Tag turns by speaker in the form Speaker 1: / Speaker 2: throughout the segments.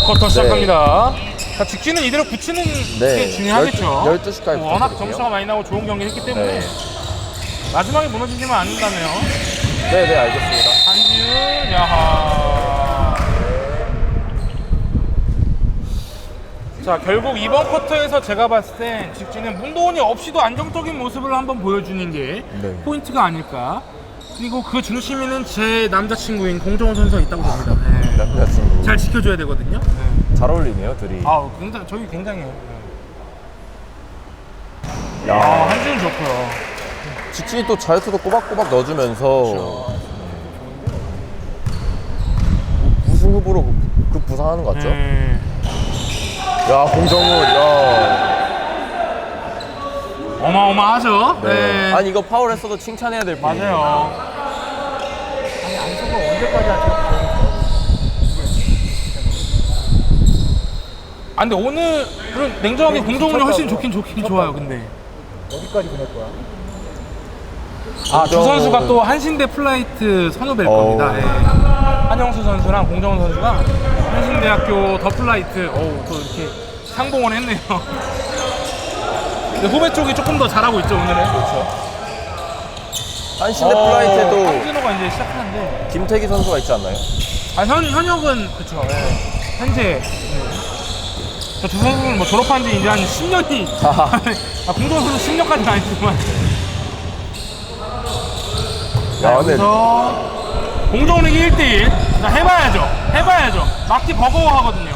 Speaker 1: 쿼터 시작합니다. 자, 직진은 이대로 붙이는 게 중요하겠죠.
Speaker 2: 12시까지
Speaker 1: 워낙 점수가 많이 나고 좋은 경기 했기 때문에 마지막에 무너지지만 않는다네요.
Speaker 2: 네네, 알겠습니다.
Speaker 1: 한지훈, 야하. 자, 결국 이번 쿼터에서 제가 봤을 땐 직진은 문도원이 없이도 안정적인 모습을 한번 보여주는 게 포인트가 아닐까. 그리고 그 중심에는 제 남자친구인 공정원 선수가 있다고 봅니다.
Speaker 2: 남자친구.
Speaker 1: 잘 지켜줘야 되거든요.
Speaker 2: 잘 어울리네요, 둘이.
Speaker 1: 굉장히, 저희 굉장해요.
Speaker 2: 야,
Speaker 1: 한지훈 좋고요.
Speaker 2: 직진이 또 자유투도 꼬박꼬박 넣어주면서 우승 후보로 부상하는 것 같죠? 야, 공정훈, 야.
Speaker 1: 어마어마하죠?
Speaker 2: 네. 아니, 이거 파울 했어도 칭찬해야 될 뿐.
Speaker 1: 맞아요.
Speaker 3: 아니 안성을 언제까지 하죠?
Speaker 1: 근데 오늘은 냉정하게 공정훈이 훨씬 좋긴 좋아요. 근데
Speaker 3: 어디까지 보낼 거야?
Speaker 1: 두 선수가 또 한신대 플라이트 선후배일 겁니다. 한영수 선수랑 공정훈 선수가 한신대학교 더 플라이트 또 이렇게 상봉을 했네요. 근데 후배 쪽이 조금 더 잘하고 있죠 오늘은.
Speaker 2: 그렇죠. 한신대 플라이트에도
Speaker 1: 황진호가 이제 시작하는데
Speaker 2: 김태기 선수가 있지 않나요?
Speaker 1: 현역은 그쵸. 현재 저 두 선수는 뭐 졸업한 지 이제 한 10년이 공정훈 선수 10년까지는 아니지만 여기서 공정훈에게 1대1 해봐야죠. 막기 버거워하거든요.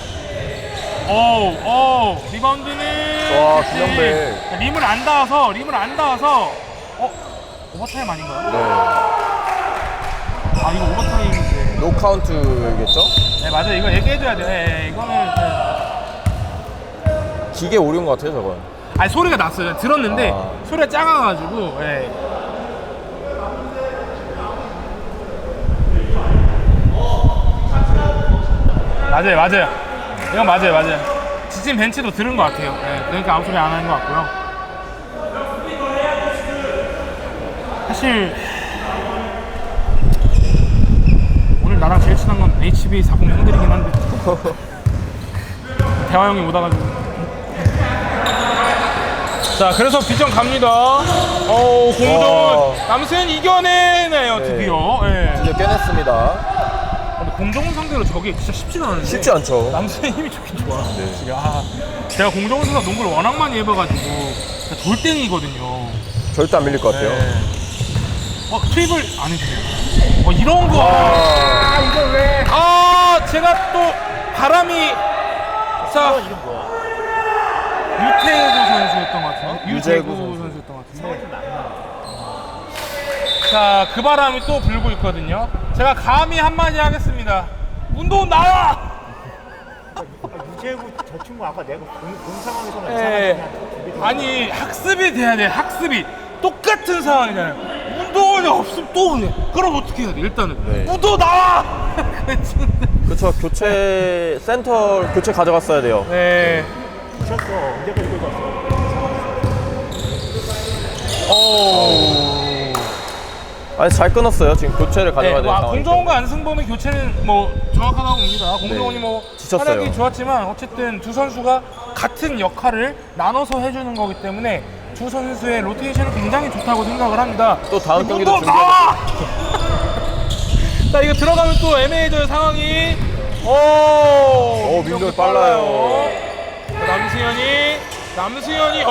Speaker 1: 리바운드는
Speaker 2: 와, 김영배.
Speaker 1: 림을 안 닿아서 오버타임 아닌가요?
Speaker 2: 네.
Speaker 1: 이거 오버타임인데
Speaker 2: 노카운트겠죠?
Speaker 1: 네 맞아요. 이거 얘기해줘야 돼. 이거는
Speaker 2: 기계 오류인 것 같아요, 저건.
Speaker 1: 소리가 났어요. 들었는데 소리가 작아가지고 맞아요. 이건 맞아요. 지진 벤치도 들은 것 같아요. 그러니까 아무 소리 안 하는 것 같고요. 사실 오늘 나랑 제일 친한 건 HB40 형들이긴 한데 대화 형이 못 와가지고. 자, 그래서 뒷점 갑니다. 공정훈 남수현이 이겨내네요. 드디어.
Speaker 2: 드디어 깨냈습니다.
Speaker 1: 근데 공정훈 상대로 저게 진짜 쉽지가 않은데.
Speaker 2: 쉽지 않죠.
Speaker 1: 남수현 힘이 좋긴 좋아. 제가 공정훈 선수가 농구를 워낙 많이 해봐가지고 돌덩이거든요.
Speaker 2: 절대 안 밀릴 것 같아요.
Speaker 1: 트립을 안 해주네요. 이런 거.
Speaker 3: 이걸 왜?
Speaker 1: 제가 또 바람이. 자,
Speaker 3: 이름 뭐야?
Speaker 1: 유태구 선수였던 것 같은데. 유재구
Speaker 2: 선수.
Speaker 1: 선수였던 것 같은데. 자, 그 바람이 또 불고 있거든요. 제가 감히 한마디 하겠습니다. 운동 나와!
Speaker 3: 유재구 저 친구 아까 내가 본 상황에서는 이상하게
Speaker 1: 아니, 학습이 돼야 돼. 학습이. 똑같은 상황이잖아요. 운동원이 없으면 또 그래. 그럼 어떻게 해야 돼? 일단은 운동 나와!
Speaker 2: 그렇죠. 센터 교체 가져갔어야 돼요.
Speaker 3: 미쳤어. 언제까지 끌고 왔어?
Speaker 2: 아니, 잘 끊었어요. 지금 교체를 가져가야 되는 상황이기
Speaker 1: 공정원과 안승범의 교체는 뭐 정확하다고 봅니다. 공정원이 뭐
Speaker 2: 지쳤어요.
Speaker 1: 활약이 좋았지만 어쨌든 두 선수가 같은 역할을 나눠서 해주는 거기 때문에 두 선수의 로테이션은 굉장히 좋다고 생각을 합니다.
Speaker 2: 또 다음 경기도
Speaker 1: 나와! 자, 이거 들어가면 또 애매해져요 상황이.
Speaker 2: 민규 빨라요.
Speaker 1: 남수현이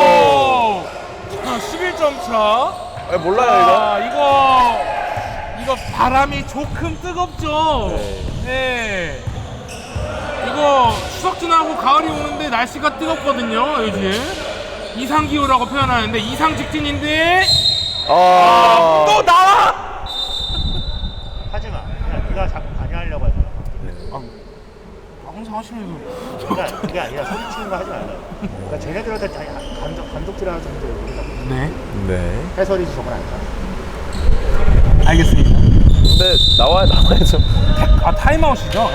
Speaker 1: 11점 차.
Speaker 2: 몰라요,
Speaker 1: 이거 바람이 조금 뜨겁죠. 이거 추석 지나고 가을이 오는데 날씨가 뜨겁거든요 요즘. 이상기후라고 표현하는데 이상 직진인데 또 나와.
Speaker 3: 하지마. 그냥 네가 자꾸 관여하려고 하지 마.
Speaker 1: 항상 하시면서
Speaker 3: 그게 아니라 소리치는 거 하지 말라. 그러니까 쟤네들한테 감독질 하는 정도
Speaker 1: 네
Speaker 3: 해설이지 저건 아니다.
Speaker 1: 알겠습니다.
Speaker 2: 근데 나와야죠.
Speaker 1: 타임아웃이죠.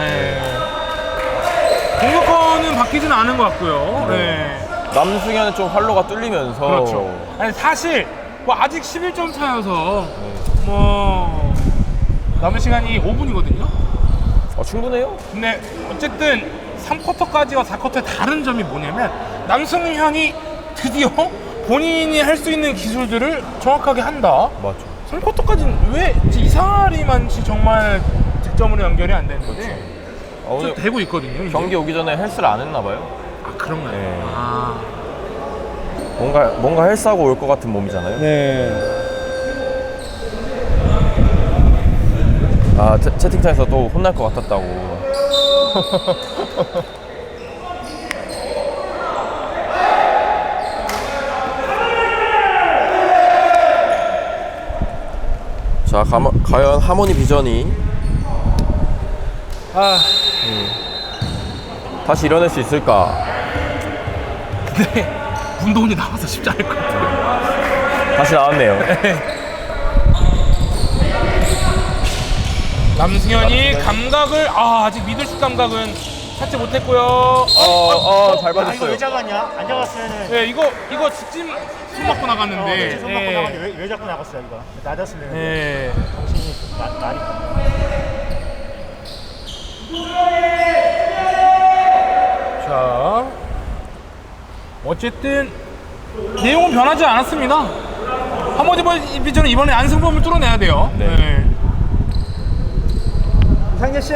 Speaker 1: 공격권은 바뀌지는 않은 것 같고요.
Speaker 2: 남승현은 좀 활로가 뚫리면서.
Speaker 1: 그렇죠. 아니, 사실 뭐 아직 11점 차여서 뭐 남은 시간이 5분이거든요.
Speaker 2: 충분해요?
Speaker 1: 근데 어쨌든 3쿼터까지와 4쿼터의 다른 점이 뭐냐면 남승현이 드디어 본인이 할 수 있는 기술들을 정확하게 한다.
Speaker 2: 맞죠.
Speaker 1: 3쿼터까지는 왜 이상하리만치 정말 득점으로 연결이 안 되는데 좀
Speaker 2: 오늘
Speaker 1: 되고 있거든요. 이제.
Speaker 2: 경기 오기 전에 헬스를 안 했나 봐요.
Speaker 1: 아 그런가요?
Speaker 2: 네.
Speaker 1: 아.
Speaker 2: 뭔가 헬스하고 올 것 같은 몸이잖아요.
Speaker 1: 네.
Speaker 2: 아 채팅창에서 또 혼날 것 같았다고. 자 과연 하모니 비전이 다시 일어날 수 있을까?
Speaker 1: 근데 문도훈이 나와서 쉽지 않을 것 같아요.
Speaker 2: 다시 나왔네요.
Speaker 1: 남승현이 감각을 아직 미들슛 감각은 찾지 못했고요.
Speaker 2: 잘
Speaker 3: 이거
Speaker 2: 받았어요.
Speaker 3: 왜 잡았냐? 안 잡았으면은
Speaker 1: 네, 이거 직진 손 맞고 나갔는데.
Speaker 3: 손 맞고 나갔는데 왜 잡고 나갔어요 이거? 낮았으면
Speaker 1: 네.
Speaker 3: 정신이 나니까.
Speaker 1: 자, 어쨌든 내용은 변하지 않았습니다. 하모니 비전은 이번에 안승범을 뚫어내야 돼요.
Speaker 2: 네.
Speaker 3: 이상재 씨.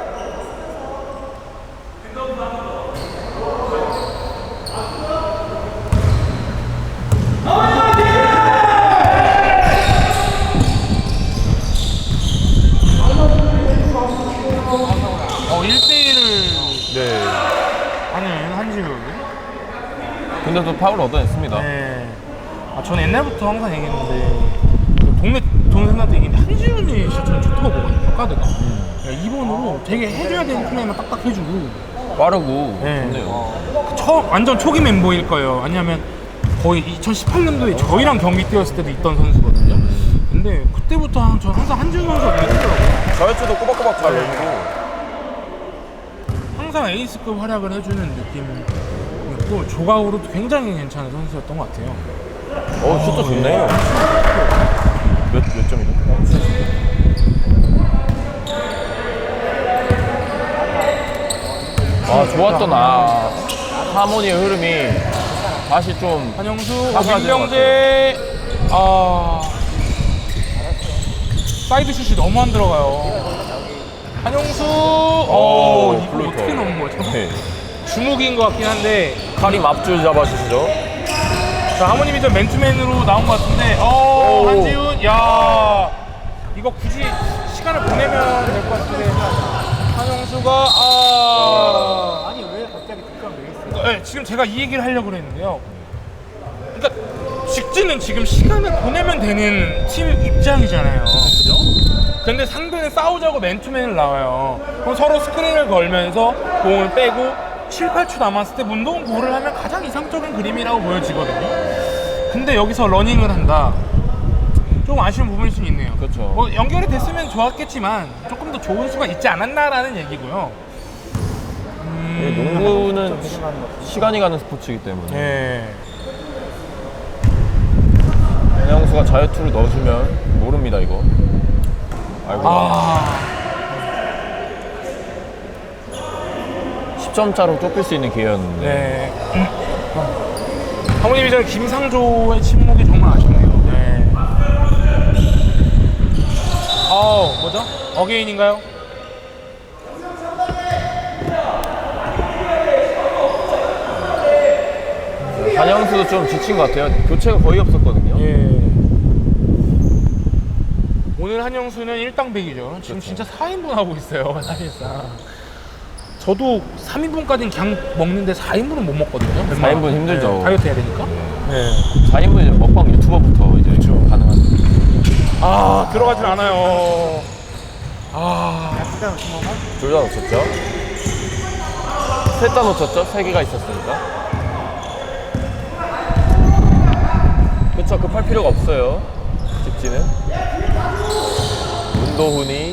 Speaker 1: 1대1을
Speaker 2: 네.
Speaker 1: 하는 한지훈.
Speaker 2: 근데 또 파울 얻어냈습니다.
Speaker 1: 네. 저는 옛날부터 항상 얘기했는데 그 동네 동생한테 얘기했는데 한지훈이 진짜 저는 좋다고 보거든요. 카드가. 2번으로 되게 해줘야 되는 플레이만 딱딱 해주고
Speaker 2: 빠르고
Speaker 1: 네.
Speaker 2: 좋네요.
Speaker 1: 완전 초기 멤버일 거예요. 아니면 거의 2018년도에 저희랑 경기 뛰었을 때도 있던 선수거든요. 근데 그때부터 전 항상 한지훈 선수가 눈에 띄더라고요.
Speaker 2: 저였지도 꼬박꼬박 잘 넣고.
Speaker 1: 항상 에이스급 활약을 해주는 느낌이었고 조각으로도 굉장히 괜찮은 선수였던 것 같아요.
Speaker 2: 슛도 좋네요. 몇 점이죠? 좋았던 하모니의 흐름이 다시 좀
Speaker 1: 한영수,
Speaker 2: 사그라지는
Speaker 1: 민병재 사이드 슛이 너무 안 들어가요. 한영수 이거
Speaker 2: 플루터.
Speaker 1: 어떻게 넣은 거죠?
Speaker 2: 네.
Speaker 1: 주목인 것 같긴 한데
Speaker 2: 카림 앞줄 잡아주시죠.
Speaker 1: 자 하모니 비전 맨투맨으로 나온 것 같은데 한지훈 야 이거 굳이 시간을 보내면 될 것 같은데 한영수가
Speaker 3: 아니 왜 갑자기 득점 왜 있어요?
Speaker 1: 네, 지금 제가 이 얘기를 하려고 했는데요. 그러니까 직진은 지금 시간을 보내면 되는 팀 입장이잖아요. 그죠? 근데 상대는 싸우자고 맨투맨을 나와요. 그럼 서로 스크린을 걸면서 공을 빼고 7, 8초 남았을 때 문동은 골을 하면 가장 이상적인 그림이라고 보여지거든요. 근데 여기서 러닝을 한다. 좀 아쉬운 부분일 수 있네요.
Speaker 2: 그렇죠.
Speaker 1: 뭐 연결이 됐으면 좋았겠지만 조금 더 좋은 수가 있지 않았나라는 얘기고요.
Speaker 2: 농구는 시간이 가는 스포츠이기 때문에
Speaker 1: 네.
Speaker 2: 한영수가 자유투를 넣어주면 모릅니다 이거. 아이고. 10점 차로 좁힐 수 있는 기회였는데.
Speaker 1: 네. 하모니 비전 김상조의 침묵이 정말 아쉽네요. 네. 뭐죠? 어게인인가요?
Speaker 2: 한영수도 좀 지친 것 같아요. 교체가 거의 없었거든요.
Speaker 1: 예. 오늘 한영수는 1당백이죠. 지금
Speaker 2: 그렇죠.
Speaker 1: 진짜 4인분 하고 있어요, 사실상. 저도 3인분까지는 그냥 먹는데 4인분은 못 먹거든요.
Speaker 2: 4인분 힘들죠.
Speaker 1: 네, 다이어트 해야 되니까. 네.
Speaker 2: 4인분 이제 먹방 유튜버부터 이제 가능한.
Speaker 1: 들어가진 않아요.
Speaker 3: 득점 신호가?
Speaker 2: 둘 다 놓쳤죠? 셋 다 놓쳤죠? 3개가 있었으니까. 그쵸, 급할 필요가 없어요. 직진은. 문도훈이.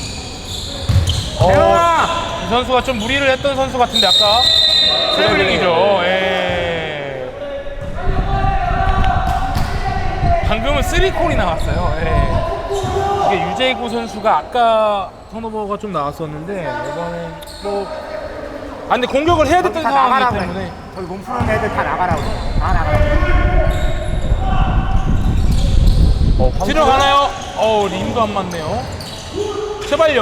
Speaker 1: 이 선수가 좀 무리를 했던 선수 같은데 아까 트래블링이죠. 예. 방금은 3콜이 나왔어요. 예. 이게 유재구 선수가 아까 턴오버가 좀 나왔었는데 이번에 뭐 근데 공격을 해야 됐던
Speaker 3: 다
Speaker 1: 상황이기
Speaker 3: 나가라고
Speaker 1: 때문에
Speaker 3: 해. 저기 몸 푸는 애들 다 나가라고. 다 나가라고.
Speaker 1: 들어가나요? 림도 안 맞네요. 제발요.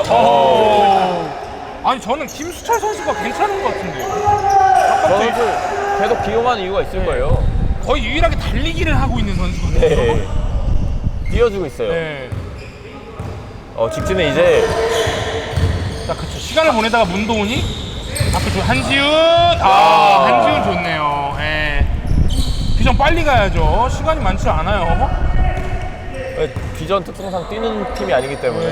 Speaker 1: 아니 저는 김수철 선수가 괜찮은 것 같은데요.
Speaker 2: 저는 계속 기용한 이유가 있을 거예요.
Speaker 1: 거의 유일하게 달리기를 하고 있는 선수거든요.
Speaker 2: 네. 뛰어주고 있어요.
Speaker 1: 네.
Speaker 2: 직진은 이제
Speaker 1: 자, 그쵸. 시간을 보내다가 문도훈이 앞에 한지훈. 한지훈 좋네요. 예. 비전 빨리 가야죠. 시간이 많지 않아요.
Speaker 2: 비전 특성상 뛰는 팀이 아니기 때문에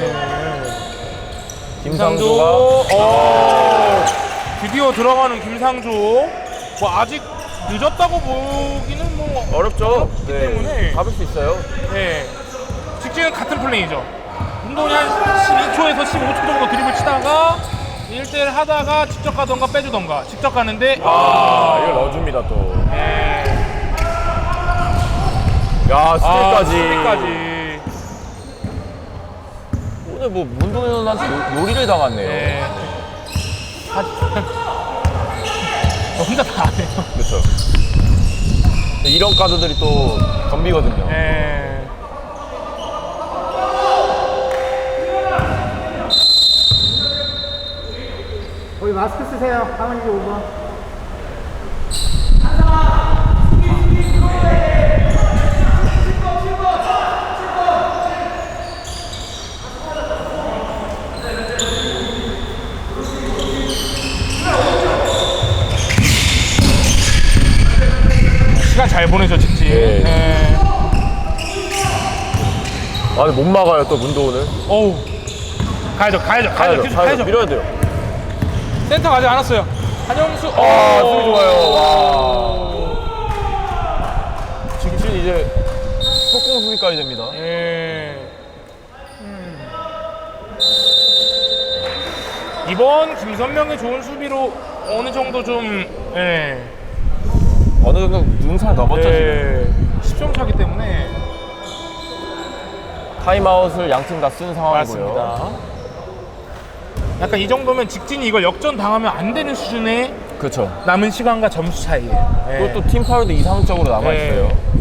Speaker 1: 김상조.
Speaker 2: 김상조가
Speaker 1: 드디어 들어가는 김상조. 뭐 아직 늦었다고 보기는 뭐
Speaker 2: 어렵죠.
Speaker 1: 때문에.
Speaker 2: 잡을 수 있어요.
Speaker 1: 네. 직진은 같은 플레이죠. 운동이 한 12초에서 15초 정도 드립을 치다가 1대1 하다가 직접 가던가 빼주던가. 직접 가는데
Speaker 2: 이걸 넣어줍니다 또.
Speaker 1: 네.
Speaker 2: 야, 스틸까지.
Speaker 1: 스틸까지.
Speaker 2: 오늘 뭐 문동현 선수한테 요리를 당했네요.
Speaker 1: 네. 혼자 다 안 해요.
Speaker 2: 그렇죠. 이런 카드들이 또 덤비거든요.
Speaker 1: 네.
Speaker 3: 거기 마스크 쓰세요. 하은이 5번.
Speaker 1: 시간 잘 보내죠, 직진.
Speaker 2: 네.
Speaker 1: 네.
Speaker 2: 근데 못 막아요 또 문도훈을.
Speaker 1: 어우. 가야죠.
Speaker 2: 밀어야 돼요.
Speaker 1: 센터 가지 않았어요. 한영수.
Speaker 2: 수비 좋아요. 와. 직진 이제 속공 수비까지 됩니다.
Speaker 1: 예. 이번 김선명의 좋은 수비로 어느 정도 좀
Speaker 2: 어느 정도 눈살 넘었죠 지금.
Speaker 1: 10점 차기 때문에
Speaker 2: 타임아웃을 양팀 다 쓴 상황이고요.
Speaker 1: 맞습니다. 약간 이 정도면 직진이 이걸 역전 당하면 안 되는 수준의
Speaker 2: 그렇죠.
Speaker 1: 남은 시간과 점수 차이예요.
Speaker 2: 그것도 팀 파울도 이상적으로 남아 있어요.